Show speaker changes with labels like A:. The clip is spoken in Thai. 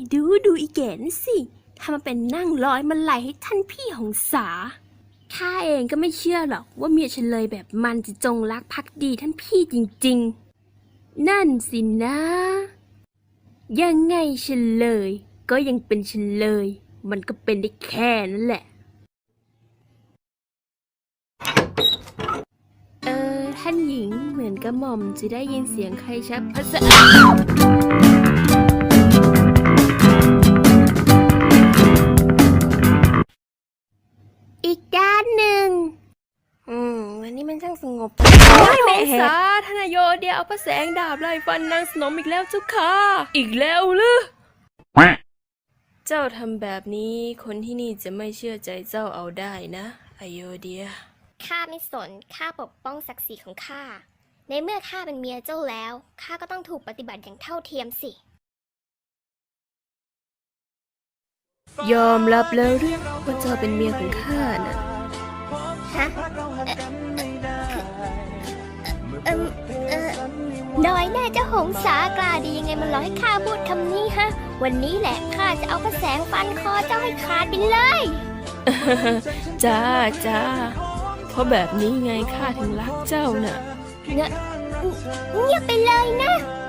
A: ดูอีแก่นสิทำมาเป็นนั่งร้อยมาไหลให้ท่านพี่หงสาข้าเองก็ไม่เชื่อหรอกว่าเมียเฉลยแบบมันจะจงรักภักดีท่านพี่จริงๆนั่นสินะยังไงเฉลยก็ยังเป็นเฉลยมันก็เป็นได้แค่นั้นแหละท่านหญิงเหมือนกระหม่อมจะได้ยินเสียงใครชักพระสะอีกด้านหนึ่งวันนี้มันช่างสงบไม่สาธนายโยเดียเอาพระแสงดาบไล่ฟันนางสนมอีกแล้วเจ้าค่ะอีกแล้วหรือเจ้าทำแบบนี้คนที่นี่จะไม่เชื่อใจเจ้าเอาได้นะอโยเดีย
B: ข้าไม่สนข้าปกป้องศักดิ์ศรีของข้าในเมื่อข้าเป็นเมียเจ้าแล้วข้าก็ต้องถูกปฏิบัติอย่างเท่าเทียมสิ
A: ยอมรับแล้วหรือว่าเจ้าเป็นเมียของข้าน่ะ
B: ฮะน้อยแน่เจ้าหงสากล้าดียังไงมันรอให้ข้าพูดคำนี้ฮะวันนี้แหละข้าจะเอาพระแสงฟันคอเจ้าให้ขาดไปเลย
A: จ้าเพราะแบบนี้ไงข้าถึงรักเจ้าน่ะ
B: เงียบไปเลยนะ